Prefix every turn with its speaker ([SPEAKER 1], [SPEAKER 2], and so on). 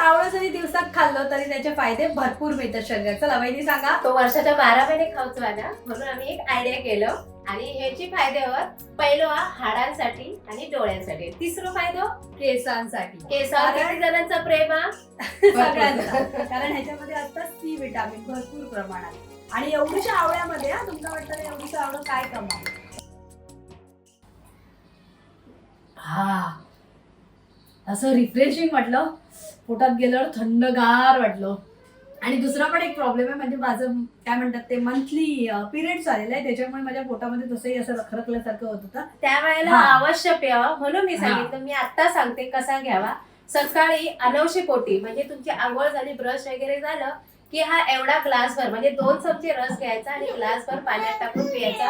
[SPEAKER 1] आवळं जरी दिवसात खाल्लं तरी त्याचे फायदे भरपूर मिळतात शरीरात. चला वहिनी सांगा.
[SPEAKER 2] तो वर्षाच्या 12 महिने खाऊचो ना, म्हणून आम्ही एक आयडिया केलं आणि ह्याची फायद्यावर पहिलं हाडांसाठी आणि डोळ्यांसाठी, तिसरं फायदो
[SPEAKER 1] केसांसाठी.
[SPEAKER 2] केसावर किती जणांचा प्रेम हा
[SPEAKER 1] सगळ्यांचा. कारण ह्याच्यामध्ये असतात सी विटामिन भरपूर प्रमाणात. आणि एवढ्याशा आवळ्यामध्ये तुमच्या वाटतं एवढीशा आवळं काय कमाल. हा असं रिफ्रेशिंग वाटलं, पोटात गेल्यावर थंडगार वाटलं. आणि दुसरा पण एक प्रॉब्लेम आहे, म्हणजे माझं काय म्हणतात ते मंथली पिरियड्स आलेलं आहे, त्याच्यामुळे माझ्या पोटामध्ये तसंही असं रखरखल्यासारखं होत होतं.
[SPEAKER 2] त्यावेळेला
[SPEAKER 1] हा.
[SPEAKER 2] अवश्य प्यावा, म्हणून मी सांगितलं. मी आता सांगते कसा घ्यावा. सकाळी अनवशी पोटी, म्हणजे तुमची आंघोळ झाली, ब्रश वगैरे झालं की हा एवढा ग्लासभर म्हणजे 2 चमचे रस घ्यायचा आणि ग्लासभर पाण्यात टाकून प्यायचा.